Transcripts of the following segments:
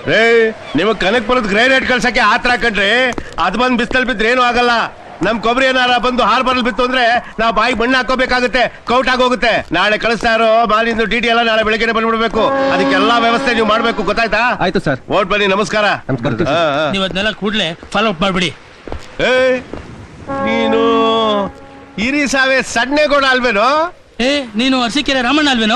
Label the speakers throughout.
Speaker 1: ರೇ ನಿಮಗ್ ಕನಕ್ಪುರದ ಗ್ರೇನೇಟ್ ಕಳ್ಸಕ್ಕೆ ಆತರ ಕಣ್ರಿ. ಅದ್ ಬಂದ್ ಬಿಸ್ತಲ್ ಬಿದ್ರೆ ಏನು ಆಗಲ್ಲ. ನಮ್ ಕೊಬ್ಬರಿ ಏನಾರ ಬಂದು ಹಾರ್ಬರ್ಲ್ ಬಿತ್ತು ಅಂದ್ರೆ ನಾವು ಬಾಯಿ ಮಣ್ಣು ಹಾಕೋಬೇಕಾಗುತ್ತೆ, ಕೌಟ್ ಆಗೋಗುತ್ತೆ. ನಾಳೆ ಕಳಿಸ್ತಾ ಇರೋ ಮಾಲಿಂದು ಡಿಟಿ ಎಲ್ಲ ನಾಳೆ ಬೆಳಗ್ಗೆ ಬಂದ್ಬಿಡ್ಬೇಕು. ಅದಕ್ಕೆಲ್ಲಾ ವ್ಯವಸ್ಥೆ ನೀವು ಮಾಡ್ಬೇಕು, ಗೊತ್ತಾಯ್ತಾ?
Speaker 2: ಆಯ್ತು ಸರ್.
Speaker 1: ಓಟ್ ಬನ್ನಿ, ನಮಸ್ಕಾರ.
Speaker 3: ನೀವು ಅದನ್ನೆಲ್ಲ ಕೂಡ್ಲೆ ಫಾಲೋ ಅಪ್ ಮಾಡ್ಬಿಡಿ.
Speaker 1: ನೀನು ಹಿರಿ ಸಾವೆ ಸಣ್ಣೇಗೌಡ ಅಲ್ವೇನೋ?
Speaker 3: ನೀನು ಅರಸೀಕೆರೆ ರಾಮಣ್ಣ ಅಲ್ವೇನೋ?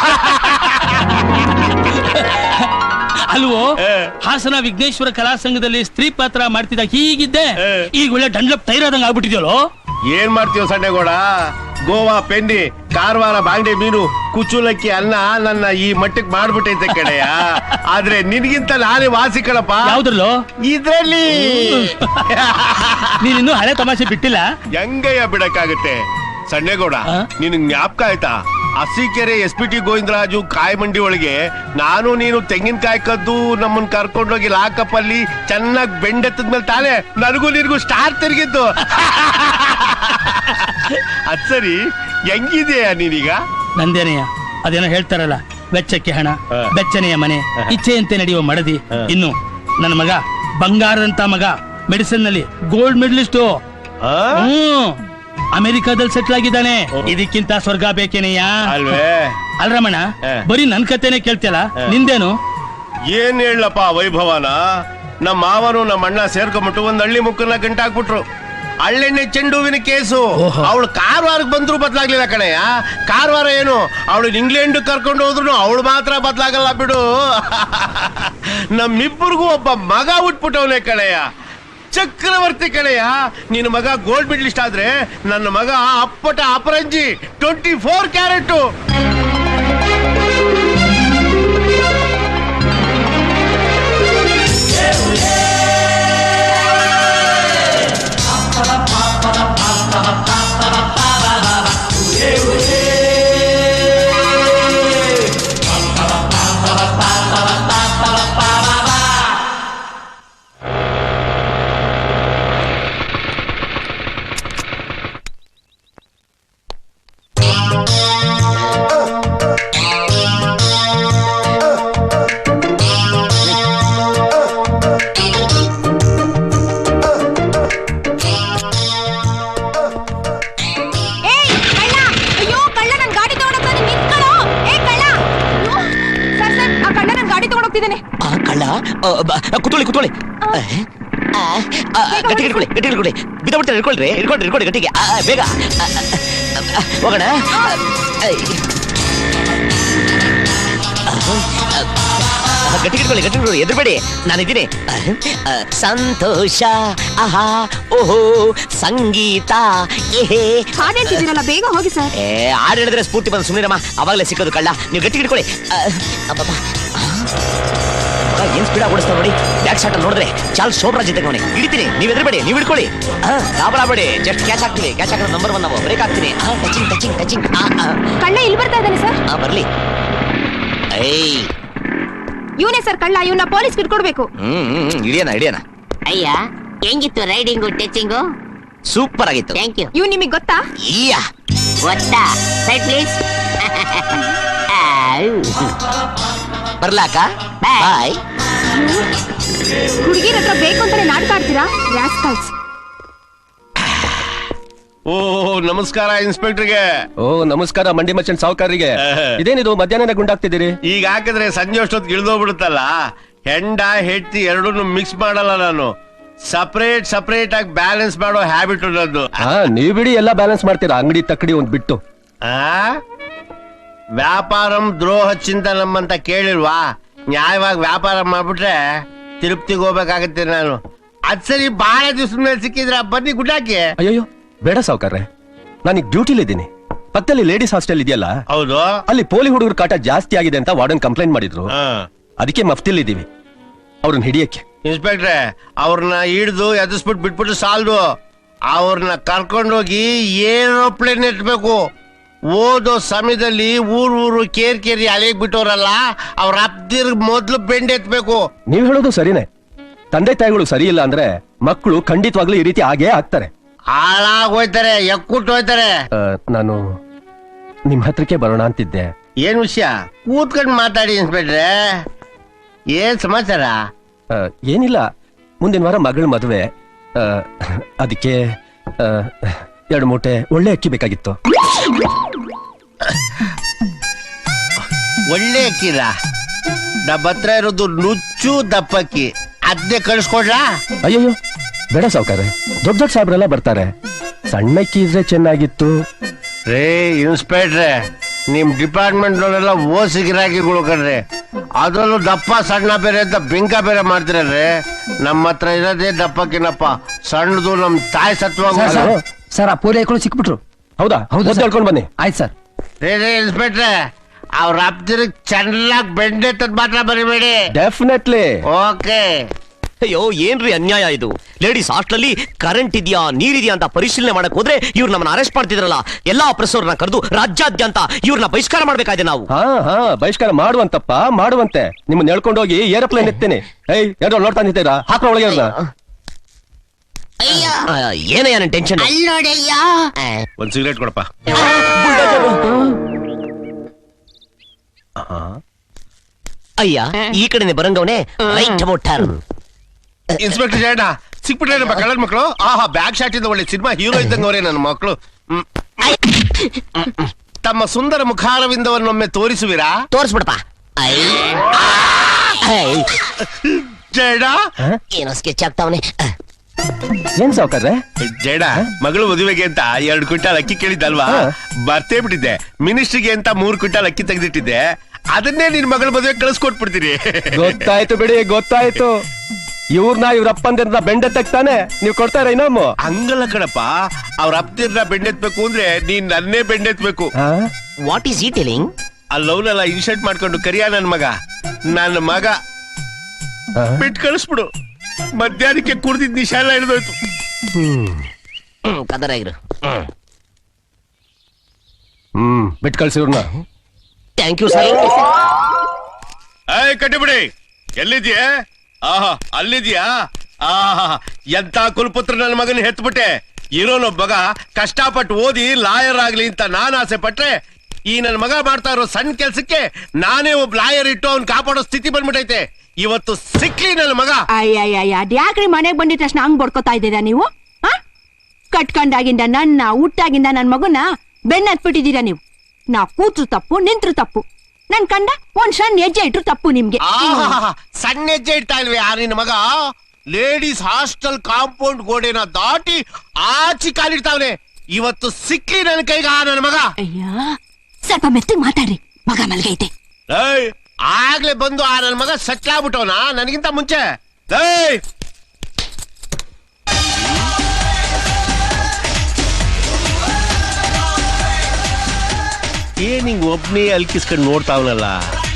Speaker 3: ಅಲ್ವೋ? ಹಾಸನ ವಿಘ್ನೇಶ್ವರ ಕಲಾ ಸಂಘದಲ್ಲಿ ಸ್ತ್ರೀ ಪಾತ್ರ ಮಾಡ್ತಿದ್ದ ಹೀಗಿದ್ದೆ, ಈಗ ಒಳ್ಳೆ ಡಂಡ್ಲಪ್ ಟೈರ್ ಆದಂಗ ಆಗ್ಬಿಟ್ಟಿದ್ಯಲ್ಲೋ.
Speaker 1: ಏನ್ ಮಾಡ್ತೀವ ಸಣ್ಣೇಗೌಡ? ಗೋವಾ ಪೆಂಡಿ, ಕಾರವಾರ ಬಾಂಡೆ ಮೀನು, ಕುಚುಲಕ್ಕಿ ಅನ್ನ ನನ್ನ ಈ ಮಟ್ಟಕ್ಕೆ ಮಾಡ್ಬಿಟ್ಟೈತೆ ಕಡೆಯ. ಆದ್ರೆ ನಿನ್ಗಿಂತ ನಾನೇ ವಾಸಿ ಕಣಪ್ಪ.
Speaker 3: ಯಾವ್ದ್ರಲ್ಲೋ?
Speaker 1: ಇದ್ರಲ್ಲಿ.
Speaker 3: ನೀನಿನ್ನೂ ಹಳೆ ತಮಾಷೆ ಬಿಟ್ಟಿಲ್ಲ.
Speaker 1: ಹೆಂಗಯ್ಯ ಬಿಡಕ್ಕಾಗತ್ತೆ ಸಣ್ಣೇಗೌಡ? ನಿನ್ ಜ್ಞಾಪಕ ಆಯ್ತಾ? ಅರಸೀಕೆರೆ SPT ಗೋವಿಂದರಾಜು ಕಾಯಿ ಮಂಡಿ ಒಳಗೆ ನಾನು ನೀನು ತೆಂಗಿನಕಾಯಿ ಕದ್ದು ನಮ್ಮನ್ ಕರ್ಕೊಂಡೋಗಿ ಲಾಕಪ್ ಅಲ್ಲಿ ಚೆನ್ನಾಗಿ ಬೆಂಡೆತ್ತದ್ಮೇಲೆ ತಾನೇ ನನಗೂ ನಿನ್ಗೂ ಸ್ಟಾರ್ ತಿರುಗಿದ್ದು. ಅದ್ ಸರಿ, ಹೆಂಗಿದೆಯಾ ನೀನೀಗ?
Speaker 3: ನಂದೇನೆಯ ಅದೇನೋ ಹೇಳ್ತಾರಲ್ಲ, ವೆಚ್ಚಕ್ಕೆ ಹಣ, ಬೆಚ್ಚನೆಯ ಮನೆ, ಇಚ್ಛೆಯಂತೆ ನಡೆಯುವ ಮಡದಿ. ಇನ್ನು ನನ್ನ ಮಗ ಬಂಗಾರದಂತ ಮಗ, ಮೆಡಿಸಿನ್ ನಲ್ಲಿ ಗೋಲ್ಡ್ ಮೆಡಲಿಸ್ಟು. ಅಮೆರಿಕಾದಲ್ಲಿ ಸೆಟ್ಲ್ ಆಗಿದ್ದಾನೆ. ಇದಕ್ಕಿಂತ ಸ್ವರ್ಗ ಬೇಕೇನೆಯ? ಅಲ್ರಮಣ, ಬರೀ ನನ್ ಕತೆನೆ ಕೇಳ್ತಿಯಲ್ಲ, ನಿಂದೇನು?
Speaker 1: ಏನ್ ಹೇಳಪ್ಪ ವೈಭವನ? ನಮ್ಮ ಮಾವನು ನಮ್ಮ ಅಣ್ಣ ಸೇರ್ಕೊಂಡ್ಬಿಟ್ಟು ಒಂದ್ ಹಳ್ಳಿ ಮುಕ್ಕನ್ನ ಗಂಟಾಕ್ಬಿಟ್ರು. ಹಳ್ಳೆಣ್ಣೆ ಚೆಂಡುವಿನ ಕೇಸು. ಅವಳು ಕಾರವಾರಕ್ಕೆ ಬಂದ್ರು ಬದಲಾಗ್ಲಿಲ್ಲ ಕಣಯ್ಯ. ಕಾರವಾರ ಏನು, ಅವಳು ಇಂಗ್ಲೆಂಡ್ ಕರ್ಕೊಂಡು ಹೋದ್ರು ಅವಳು ಮಾತ್ರ ಬದಲಾಗಲ್ಲ ಬಿಡು. ನಮ್ಮಿಬ್ಬರಿಗೂ ಒಬ್ಬ ಮಗ ಹುಟ್ಬಿಟ್ಟವನೇ ಕಣಯ್ಯ, ಚಕ್ರವರ್ತಿ ಕಣಯ್ಯ. ನಿನ್ನ ಮಗ ಗೋಲ್ಡ್ ಮೆಡಲಿಸ್ಟ್ ಆದ್ರೆ ನನ್ನ ಮಗ ಅಪ್ಪಟ ಅಪರಂಜಿ 24 ಕ್ಯಾರೆಟ್.
Speaker 4: ಕುತ್ಕೊಳ್ಳಿ ಕುತ್ಕೊಳ್ಳಿ, ಗಟ್ಟಿ ಇಟ್ಕೊಳ್ಳಿ, ಗಟ್ಟಿ ಇಟ್ಕೊಳ್ಳಿ, ಬಿದ್ದಬಿಡ್ತಾರೆ. ಇಟ್ಕೊಳ್ರಿ, ಇಟ್ಕೊಳ್ರಿ, ಇಟ್ಕೊಳ್ಳಿ ಗಟ್ಟಿಗೆ, ಬೇಗ ಹೋಗೋಣ. ಗಟ್ಟಿ ಇಟ್ಕೊಳ್ಳಿ, ಗಟ್ಟಿ ಇಟ್ಕೊಳ್ಳಿ, ಎದುರುಬೇಡಿ, ನಾನಿದ್ದೀನಿ. ಸಂತೋಷ, ಆಹಾ, ಓಹೋ, ಸಂಗೀತ,
Speaker 5: ಹಾಡೇಳ್ತಿದ್ದೀರಲ್ಲ, ಬೇಗ ಹೋಗಿ ಸರ್.
Speaker 4: ಹಾಡು ಹೇಳಿದ್ರೆ ಸ್ಫೂರ್ತಿ ಬಂದು ಸುಮ್ಮನಿರಮ್ಮ, ಅವಾಗಲೇ ಸಿಕ್ಕೋದು ಕಳ್ಳ. ನೀವು ಗಟ್ಟಿ ಇಟ್ಕೊಳ್ಳಿ. ಏನ್ ಸ್ಪೀಡ್ ಆಗಿ ಓಡಿಸ್ತಾ ನೋಡಿ. ಬ್ಯಾಕ್ ಶಾಟ್ ನೋಡಿದ್ರೆ ಚಾಲ್ ಸೋಬ್ರಾಜ್ ಜೊತೆಗೆ ಅವನೇ ಹಿಡಿತೀನಿ. ನೀವು ಎದುರುಬೇಡಿ, ನೀವು ಹಿಡ್ಕೊಳ್ಳಿ, ಗಾಬರಾಬೇಡಿ. ಜಸ್ಟ್ ಕ್ಯಾಚ್ ಆಗ್ತೀವಿ. ಕ್ಯಾಚ್ ಹಾಕಿದ್ರೆ ನಂಬರ್ 1 ನಾವು. ಬ್ರೇಕ್ ಆಗ್ತೀನಿ. Touching touching touching.
Speaker 5: ಕಳ್ಳ ಇಲ್ಲಿ ಬರ್ತಾ ಇದ್ದಾನೆ ಸರ್.
Speaker 4: ಬರ್ಲಿ.
Speaker 5: ಇವನೇ ಸರ್ ಕಳ್ಳ. ಇವನ್ನ ಪೊಲೀಸ್ ಕಿಟ್ಕೊಡ್ಬೇಕು.
Speaker 4: ಹಿಡಿಯೋಣ ಹಿಡಿಯೋಣ.
Speaker 6: ಅಯ್ಯ, ಹೆಂಗಿತ್ತು ರೈಡಿಂಗು, ಟಚಿಂಗು?
Speaker 4: ಸೂಪರ್ ಆಗಿತ್ತು.
Speaker 6: Thank you.
Speaker 5: ಇವ್ ನಿಮಗ್ ಗೊತ್ತಾ?
Speaker 6: ಗೊತ್ತಾ? Side please.
Speaker 4: ಬರ್ಲಾಕ? ಬಾಯ್.
Speaker 5: ಹುಡುಗಿರ ಹತ್ರ ಬೇಕು ಅಂತಾನೆ ನಾಟಕ ಆಡ್ತೀರಾ ರಾಸ್ಕಲ್ಸ್.
Speaker 1: ಓ ನಮಸ್ಕಾರ ಇನ್ಸ್ಪೆಕ್ಟರ್ಗೆ.
Speaker 2: ಓ ನಮಸ್ಕಾರ ಮಂಡಿ ಮಚ್ಚನ್ ಸಾವುಕಾರರಿಗೆ. ಇದೇನಿದು ಮಧ್ಯಾಹ್ನ ಗುಂಡಾಗ್ತಿದ್ದೀರಿ?
Speaker 1: ಈಗ ಹಾಕಿದ್ರೆ ಸಂಜೆ ಅಷ್ಟೊತ್ತಿಗೆ ಇಳ್ದೋಗ್ಬಿಡುತ್ತಲ್ಲ. ಹೆಂಡ ಹೆಂಡತಿ ಎರಡನ್ನೂ ಮಿಕ್ಸ್ ಮಾಡಲ್ಲ ನಾನು. ಸಪರೇಟ್ ಸಪರೇಟ್ ಆಗಿ ಬ್ಯಾಲೆನ್ಸ್ ಮಾಡೋ ಹ್ಯಾಬಿಟ್ ಅನ್ನೋದು.
Speaker 2: ನೀವ್ ಬಿಡಿ, ಎಲ್ಲ ಬ್ಯಾಲೆನ್ಸ್ ಮಾಡ್ತೀರಾ, ಅಂಗಡಿ ತಕ್ಕಡಿ ಒಂದ್ ಬಿಟ್ಟು.
Speaker 1: ವ್ಯಾಪಾರಂ ದ್ರೋಹ ಚಿಂತನಂ ಅಂತ ಕೇಳಿಲ್ವಾ? ನ್ಯಾಯವಾಗಿ ವ್ಯಾಪಾರ ಮಾಡ್ಬಿಟ್ರೆ ತಿರುಪ್ತಿಗೆ ಹೋಗ್ಬೇಕಾಗತ್ತೆ ನಾನು. ಅದ್ ಸರಿ, ಬಹಳ ದಿವಸ ಮೇಲೆ ಸಿಕ್ಕಿದ್ರ ಬನ್ನಿ ಗುಡ್ಡಾಕಿ.
Speaker 2: ಅಯ್ಯೋ ಬೇಡ ಸಾವುಕಾರ್ರೆ, ನಾನೀಗ ಡ್ಯೂಟಿಲಿದ್ದೀನಿ. ಪಕ್ಕದಲ್ಲಿ ಲೇಡೀಸ್ ಹಾಸ್ಟೆಲ್ ಇದೆಯಲ್ಲ,
Speaker 1: ಹೌದು,
Speaker 2: ಅಲ್ಲಿ ಪೋಲಿ ಹುಡುಗರ ಕಾಟ ಜಾಸ್ತಿ ಆಗಿದೆ ಅಂತ ವಾರ್ಡನ್ ಕಂಪ್ಲೇಂಟ್ ಮಾಡಿದ್ರು. ಅದಕ್ಕೆ ಮಫ್ತಿಲಿದ್ದೀವಿ ಅವ್ರನ್ನ ಹಿಡಿಯಕ್ಕೆ.
Speaker 1: ಇನ್ಸ್ಪೆಕ್ಟ್ರೆ, ಅವ್ರನ್ನ ಹಿಡಿದು ಎದುರಿಸ್ಬಿಟ್ಟು ಬಿಟ್ಬಿಟ್ಟು ಸಾಲದು. ಅವ್ರನ್ನ ಕರ್ಕೊಂಡೋಗಿ ಏರೋಪ್ಲೇನ್ ಎತ್ಬೇಕು. ಓದೋ ಸಮಯದಲ್ಲಿ ಊರು ಕೇರಿ ಅಲೆಗ್ ಬಿಟ್ಟವ್ರಲ್ಲ, ಅವ್ರ ಅಪ್ದಿರ್ ಮೊದ್ಲು ಬೆಂಡ್ ಎತ್ಬೇಕು.
Speaker 2: ನೀವ್ ಹೇಳೋದು ಸರಿನೇ. ತಂದೆ ತಾಯಿಗಳು ಸರಿ ಇಲ್ಲ ಅಂದ್ರೆ ಮಕ್ಕಳು ಖಂಡಿತವಾಗ್ಲೂ ಈ ರೀತಿ ಆಗೇ ಆಗ್ತಾರೆ,
Speaker 1: ಹಾಳಾಗೋಯ್ತಾರೆ, ಎಕ್ಕುಟ್ಟು ಹೋಯ್ತಾರೆ.
Speaker 2: ನಾನು ನಿಮ್ ಹತ್ರಕ್ಕೆ ಬರೋಣ ಅಂತಿದ್ದೆ.
Speaker 1: ಏನ್ ವಿಷಯ? ಕೂತ್ಕೊಂಡು ಮಾತಾಡಿ ಇನ್ಸ್ಪೆಕ್ಟ್ರೆ. ಏನ್ ಸಮಾಚಾರ?
Speaker 2: ಏನಿಲ್ಲ, ಮುಂದಿನ ವಾರ ಮಗಳ ಮದುವೆ. ಅದಕ್ಕೆ 2 ಮೂಟೆ ಒಳ್ಳೆ ಅಕ್ಕಿ ಬೇಕಾಗಿತ್ತು.
Speaker 1: ಒಳ್ಳೆ ಅಕ್ಕಿರ? ನಮ್ಮ ಹತ್ರ ಇರೋದು ನುಚ್ಚು ದಪ್ಪಕ್ಕಿ, ಅದನ್ನೇ ಕಳಿಸ್ಕೊಡ್ಲಾ?
Speaker 2: ಅಯ್ಯಯ್ಯೋ ಬೇಡ ಸಾವ್ಕಾರೆ, ದೊಡ್ಡ ದೊಡ್ಡ ಸಾಬ್ರೆಲ್ಲ ಬರ್ತಾರೆ. ಸಣ್ಣ ಅಕ್ಕಿ ಇದ್ರೆ ಚೆನ್ನಾಗಿತ್ತು.
Speaker 1: ರೇ ಇನ್ಸ್ಪೆಕ್ಟ್ರೆ, ನಿಮ್ ಡಿಪಾರ್ಟ್ಮೆಂಟ್ ನವರೆಲ್ಲ ಓಸಿ ಗಿರಾಕಿಗಳು ಕಣ್ರಿ. ಅದರಲ್ಲೂ ದಪ್ಪ ಸಣ್ಣ ಬೇರೆ ಅಂತ ಬಿಂಕ ಬೇರೆ ಮಾಡ್ತಿರಲ್ರಿ. ನಮ್ಮ ಹತ್ರ ಇರೋದೇ ದಪ್ಪಕ್ಕಿನಪ್ಪ, ಸಣ್ಣದು ನಮ್ ತಾಯಿ ಸತ್ವ.
Speaker 7: ಸರ್ ಆ ಪೋಲಿಯಗಳು ಸಿಕ್ಬಿಟ್ರು.
Speaker 2: ಹೌದಾ? ಹೌದು, ಹೇಳ್ಕೊಂಡು ಬನ್ನಿ.
Speaker 7: ಆಯ್ತು ಸರ್.
Speaker 1: ರೇ ಇನ್ಸ್ಪೆಕ್ಟ್ರೆ, ಅವ್ರ ಅಪ್ತಿರಿಗೆ ಚೆನ್ನಾಗಿ ಬೆಂಡೆ ತದ್ ಮಾತ್ರ ಬರಿಬೇಡಿ.
Speaker 2: ಡೆಫಿನೆಟ್ಲಿ.
Speaker 1: ಓಕೆ.
Speaker 4: ಅಯ್ಯೋ ಏನ್ರಿ ಅನ್ಯಾಯ ಇದು. ಲೇಡೀಸ್ ಹಾಸ್ಟೆಲ್ ಕರೆಂಟ್ ಇದೆಯಾ ನೀರಿದ್ಯಾ ಅಂತ ಪರಿಶೀಲನೆ ಮಾಡಕ್ ಹೋದ್ರೆ ಇವ್ರು ನಮ್ಮನ್ನ ಅರೆಸ್ಟ್ ಮಾಡ್ತಿದ್ರಲ್ಲ. ಎಲ್ಲಾ ಪ್ರೆಸ್ಸವ್ರನ್ನ ಕರೆದು ರಾಜ್ಯಾದ್ಯಂತ ಇವ್ರನ್ನ ಬಹಿಷ್ಕಾರ ಮಾಡ್ಬೇಕಾಗಿದೆ ನಾವು.
Speaker 2: ಹಾ ಬಹಿಷ್ಕಾರ ಮಾಡುವಂತಪ್ಪ, ಮಾಡುವಂತೆ. ನಿಮ್ಮನ್ನ ಹೇಳ್ಕೊಂಡೋಗಿ ಏರೋಪ್ಲೇನ್ ಎತ್ತೇನೆ. ಯಾರೋ ನೋಡ್ತಾ ನಿಂತೀರಾ? ಹಾಕೋ ಒಳಗೆ ಅವ್ರನ್ನ.
Speaker 4: ಏನಯ್ಯ ನನ್ ಟೆನ್ಷನ್?
Speaker 6: ಅಲ್ಲಿ ನೋಡಯ್ಯ.
Speaker 1: ಒಂದ್ ಸಿಗರೇಟ್ ಕೊಡಪ್ಪ.
Speaker 4: ಅಯ್ಯ ಈ ಕಡೆನೆ ಬರಂಗವನೆ. Right about turn.
Speaker 1: Inspector Jayanna ಸಿಕ್ಬಿಟ್ರೇನಪ್ಪ ಕಳ್ಳರ ಮಕ್ಕಳು. ಆಹಾ, ಬ್ಯಾಕ್ ಶಾಟ್ ಇಂದ ಒಳ್ಳೆ ಸಿನಿಮಾ ಹೀರೋ ಇದ್ದಂಗ ಅವರೇ ನನ್ನ ಮಕ್ಕಳು. ತಮ್ಮ ಸುಂದರ ಮುಖಾರವಿಂದವನ್ನೊಮ್ಮೆ ತೋರಿಸುವಿರಾ?
Speaker 4: ತೋರಿಸ್ಬಿಡಪ್ಪ.
Speaker 1: ಜಯಣ್ಣ
Speaker 4: ಏನೋ ಸ್ಕೆಚ್ ಆಗ್ತಾವನೆ.
Speaker 2: ಏನ್ ಸಾವ್ಕಾರ್ರೆ?
Speaker 1: ಜಯಣ್ಣ, ಮಗಳು ಮದುವೆಗೆ ಅಂತ 2 ಕ್ವಿಂಟಾಲ್ ಅಕ್ಕಿ ಕೇಳಿದ್ದಲ್ವಾ? ಬರ್ತೇ ಬಿಟ್ಟಿದ್ದೆ. ಮಿನಿಸ್ಟ್ರಿಗೆ ಅಂತ 3 ಕ್ವಿಂಟಾಲ್ ಅಕ್ಕಿ ತೆಗೆದಿಟ್ಟಿದ್ದೆ. ಅದನ್ನೇ ನಿನ್ ಮಗಳ ಮದುವೆ ಕಳಿಸ್ಕೊಟ್ಬಿಡ್ತೀನಿ.
Speaker 2: ಗೊತ್ತಾಯ್ತು ಬಿಡಿ, ಗೊತ್ತಾಯ್ತು. ಇವ್ರನ್ನ ಇವ್ರ ಅಪ್ಪಂದಿರ ಬೆಂಡೆ ತೆಗ್ತಾನೆ, ನೀವ್ ಕೊಡ್ತಾರ ಇನ್ನೊಮ್ಮ?
Speaker 1: ಹಂಗಲ್ಲ ಕಣಪ್ಪ, ಅವ್ರ ಅಪ್ತಿರ್ನ ಬೆಂಡೆತ್ಬೇಕು ಅಂದ್ರೆ ನೀನ್ ನನ್ನೇ ಬೆಂಡೆತ್ಬೇಕು.
Speaker 4: What is he telling?
Speaker 1: ಆ ಲವ್ನೆಲ್ಲ ಇನ್ಶರ್ಟ್ ಮಾಡ್ಕೊಂಡು ಕರಿಯ ನನ್ನ ಮಗ ಬಿಟ್ಟು ಕಳಿಸ್ಬಿಡು. ಮಧ್ಯಾಹ್ನಕ್ಕೆ ಕುಡ್ದಿದ್ ನಿಶಾ ಎಲ್ಲ ಹಿಡಿದೋಯ್ತು.
Speaker 4: ಕದರಾಗಿರು.
Speaker 2: ಬಿಟ್ ಕಳ್ಸಿ ಇವ್ರನ್ನ.
Speaker 4: Thank you sir.
Speaker 1: ಕಟ್ಟಿಬಿಡಿ. ಎಲ್ಲಿದ್ಯಾ? ಆಹಾ, ಅಲ್ಲಿದ್ಯಾ? ಆಹಾ, ಎಂತ ಕುಲಪುತ್ರ ನನ್ನ ಮಗನ ಹೆತ್ಬಿಟ್ಟೆ. ಇರೋನೊಬ್ಬ ಮಗ ಕಷ್ಟಪಟ್ಟು ಓದಿ ಲಾಯರ್ ಆಗ್ಲಿ ಅಂತ ನಾನ್ ಆಸೆ ಪಟ್ರೆ, ಈ ನನ್ನ ಮಗ ಮಾಡ್ತಾ ಇರೋ ಸಣ್ಣ ಕೆಲ್ಸಕ್ಕೆ ನಾನೇ ಒಬ್ಬ ಲಾಯರ್ ಇಟ್ಟು ಅವ್ನ್ ಕಾಪಾಡೋ ಸ್ಥಿತಿ ಬಂದ್ಬಿಟ್ಟೈತೆ. ಇವತ್ತು ಸಿಕ್ಲಿ ನನ್ನ ಮಗ.
Speaker 5: ಅಯ್ಯಯ್ಯ, ಯಾಕ್ರಿ ಮನೆಗ್ ಬಂದಿದ ತಕ್ಷಣ ಹಂಗ್ ಬಡ್ಕೋತಾ ಇದ್ದೀರಾ ನೀವು? ಕಟ್ಕೊಂಡಾಗಿಂದ ಹುಟ್ಟಾಗಿಂದ ನನ್ ಮಗುನ ಬೆನ್ನತ್ಬಿಟ್ಟಿದ್ದೀರಾ ನೀವು. ನಾ ಕೂತ್ರು ತಪ್ಪು, ನಿಂತ್ರು ತಪ್ಪು. ನನ್ ಕಂಡ ಒಂದ್ ಸಣ್ಣ ಹೆಜ್ಜೆ ಇಟ್ರು ತಪ್ಪು ನಿಮ್ಗೆ.
Speaker 1: ಸಣ್ಣ ಹೆಜ್ಜೆ ಇಡ್ತಾ ಇಲ್ವೇ ಆ ನಿನ್ನ ಮಗ? ಲೇಡೀಸ್ ಹಾಸ್ಟೆಲ್ ಕಾಂಪೌಂಡ್ ಗೋಡೆನ ದಾಟಿ ಆಚಿ ಕಾಲಿಡ್ತಾವ್ನೆ. ಇವತ್ತು ಸಿಕ್ಲಿ ನನ್ನ ಕೈಗ ನನ್ನ ಮಗ.
Speaker 5: ಅಯ್ಯ, ಸ್ವಲ್ಪ ಮೆತ್ತಗ್ ಮಾತಾಡ್ರಿ, ಮಗ ಮಲ್ಗೈತೆ.
Speaker 1: ಆಗ್ಲೇ ಬಂದು ಆ ನನ್ನ ಮಗ ಸೆಟ್ಲ್ ಆಗ್ಬಿಟ್ಟವನ ನನಗಿಂತ ಮುಂಚೆ. ಏನ್ ಹಿಂಗ್ ಒಬ್ನೇ ಅಲ್ಕಿಸ್ಕೊಂಡು ನೋಡ್ತಾವನಲ್ಲ.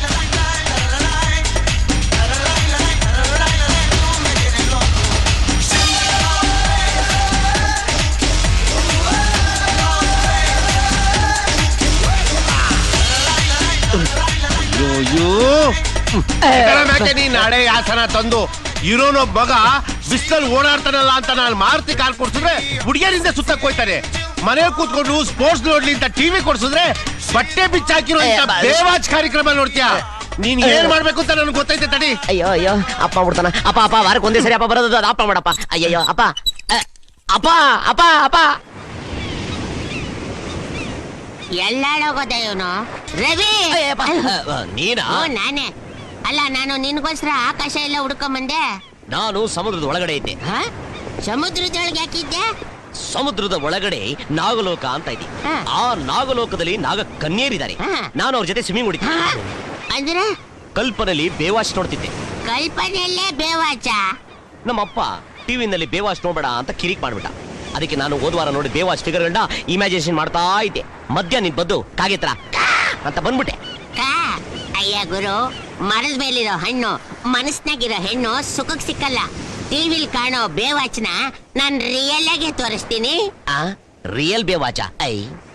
Speaker 1: ನೀನ್ ನಾಳೆ ಯಾಸನ ತಂದು ಇರೋನೊಬ್ಬ ಮಗ ಬಿಸ್ತಲ್ಲಿ ಓಡಾಡ್ತಾನಲ್ಲ ಅಂತ ನಾನು ಮಾರುತಿ ಕಾಲ್ ಕೊಡ್ಸಿದ್ರೆ ಹುಡುಗಿಯರಿಂದ ಸುತ್ತಕ್ ಹೋಯ್ತಾನೆ. ಮನೆ ಕೂತ್ಕೊಂಡು ಸ್ಪೋರ್ಟ್ಸ್ ನೋಡ್ಲಿ ಅಂತ ಟಿವಿ ಕೊಡ್ಸಿದ್ರೆ ಬಟ್ಟೆ ಬಿಚ್ಚಾಕಿರೋ ಬೇವಾಚ್ ಕಾರ್ಯಕ್ರಮ ನೋಡ್ತೀಯಾ? ನೀನ್ ಏನ್ ಮಾಡ್ಬೇಕು ಅಂತ ನನ್ಗೆ ಗೊತ್ತೈತೆ. ತಡಿ.
Speaker 4: ಅಯ್ಯೋ ಅಯ್ಯೋ, ಅಪ್ಪ ಬಿಡ್ತಾನ. ಅಪ್ಪ ವಾರಕ್ಕೆ ಒಂದೇ ಸರಿ ಅಪ್ಪ ಬರೋದು. ಅಪ್ಪ ಮಾಡಪ್ಪ. ಅಯ್ಯಯ್ಯೋ ಅಪ್ಪ ಅಪ್ಪ ಅಪ್ಪ ಅಪ್ಪ.
Speaker 6: ಎಲ್ಲಾಳೋಗೋದ ಇವನು? ರವಿ,
Speaker 4: ನೀನಾ?
Speaker 6: ನಾನೇ. ಅಲ್ಲ, ನಾನು ನಿನ್ಗೋಸ್ಕರ ಆಕಾಶ ಎಲ್ಲ ಹುಡ್ಕೊಂಬಂದೆ.
Speaker 4: ನಾನು ಸಮುದ್ರದ ಒಳಗಡೆ ಇದ್ದೆ.
Speaker 6: ಸಮುದ್ರದೊಳಗೆ ಹಾಕಿದ್ದೆ?
Speaker 4: ಸಮುದ್ರದ ಒಳಗಡೆ ನಾಗಲೋಕ ಅಂತ ಇದೆ. ಆ ನಾಗಲೋಕದಲ್ಲಿ ನಾಗ ಕನ್ಯರಿದ್ದಾರೆ. ನಾನು ಅವ್ರ ಜೊತೆ ಸ್ವಿಮ್ಮಿಂಗ್ ಹೊಡಿದ್ದೆ.
Speaker 6: ಅಂದ್ರೆ
Speaker 4: ಕಲ್ಪನೆಯಲ್ಲಿ ಬೇವಾಚ್ ನೋಡ್ತಿದ್ದೆ.
Speaker 6: ಕಲ್ಪನೆಯಲ್ಲೇ ಬೇವಾಚ?
Speaker 4: ನಮ್ಮಪ್ಪ ಟಿವಿನಲ್ಲಿ ಬೇವಾಚ್ ನೋಡ್ಬೇಡ ಅಂತ ಕಿರಿಕ್ ಮಾಡ್ಬಿಟ್ಟ. ಅದಕ್ಕೆ ನಾನು ಹೋದ್ವಾರ ನೋಡಿ ಬೇವಾಚ್ ಫಿಗರ್ಗಳನ್ನ ಇಮ್ಯಾಜಿನೇಷನ್ ಮಾಡ್ತಾ ಇದ್ದೆ. ಮಧ್ಯ ನಿನ್ ಬದ್ದು ಕಾಗೆತ್ರ ಅಂತ ಬಂದ್ಬಿಟ್ಟೆ.
Speaker 6: ಅಯ್ಯ ಗುರು, ಮರದ ಮೇಲಿರೋ ಹಣ್ಣು ಮನಸ್ನಾಗಿರೋ ಹೆಣ್ಣು ಸುಖಕ್ ಸಿಕ್ಕಲ್ಲ. ಟಿವಿಲ್ ಕಾಣೋ ಬೇವಾಚ್ನ ನಾನ್ ರಿಯಲ್ ಆಗಿ ತೋರಿಸ್ತೀನಿ.
Speaker 4: ರಿಯಲ್ ಬೇವಾಚ? ಐ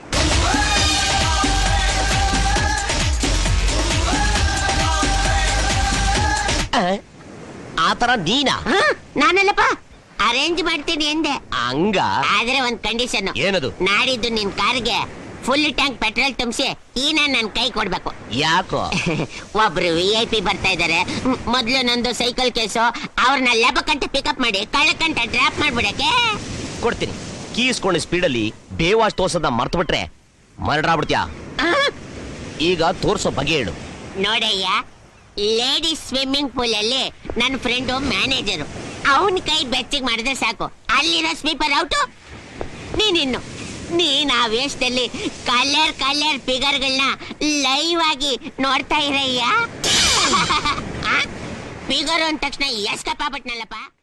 Speaker 4: ಆತರ ನೀನಾ?
Speaker 6: ನಾನಲ್ಲಪ್ಪ, ಅರೇಂಜ್ ಮಾಡ್ತೀನಿ ಎಂದೆ.
Speaker 4: ಹಂಗ?
Speaker 6: ಆದ್ರೆ ಒಂದ್ ಕಂಡೀಷನ್.
Speaker 4: ಏನದು?
Speaker 6: ನಾಡಿದ್ದು ನಿನ್ ಕಾರ್ಗೆ ಫುಲ್ ಟ್ಯಾಂಕ್ ಪೆಟ್ರೋಲ್ ತುಂಬಿಸಿ ಈನ ನನ್ ಕೈ ಕೊಡ್ಬೇಕು.
Speaker 4: ಯಾಕೋ?
Speaker 6: ಒಬ್ರು VIP ಬರ್ತಾ ಇದಾರೆ. ಮೊದ್ಲು ನಂದು ಸೈಕಲ್ ಕೇಸು, ಅವ್ರನ್ನ ಲೆಬಕಂಟ ಪಿಕಪ್ ಮಾಡಿ ಕಳ್ಳಕಂಟ ಡ್ರಾಪ್ ಮಾಡ್ಬಿಡಕ್ಕೆ.
Speaker 4: ಕೊಡ್ತೀನಿ. ಕೀಸ್ಕೊಂಡು ಸ್ಪೀಡಲ್ಲಿ ಬೇವಾಶ್ ತೋರ್ಸೋದ ಮರ್ತು ಬಿಟ್ರೆ ಮರ್ಡರ್ ಆಗ್ಬಿಡ್ತೀಯಾ? ಈಗ ತೋರ್ಸೋ ಬಗೆ ಹೇಳು.
Speaker 6: ನೋಡಯ್ಯ, ಲೇಡೀಸ್ ಸ್ವಿಮ್ಮಿಂಗ್ ಪೂಲ್ ಅಲ್ಲಿ ನನ್ನ ಫ್ರೆಂಡು ಮ್ಯಾನೇಜರು. ಅವನ್ ಕೈ ಬೆಚ್ಚಿಗೆ ಮಾಡಿದ್ರೆ ಸಾಕು, ಅಲ್ಲಿರೋ ಸ್ವೀಪರ್ ಔಟು. ನೀನ್ ಆ ವೇಷದಲ್ಲಿ ಕಲರ್ ಫಿಗರ್ಗಳನ್ನ ಲೈವ್ ಆಗಿ ನೋಡ್ತಾ ಇರಯ್ಯ. ಫಿಗರ್ ಅಂದ ತಕ್ಷಣ ಎಸ್ಕಪ್ಪ ಆಗ್ಬಿಟ್ನಲ್ಲಪ್ಪ.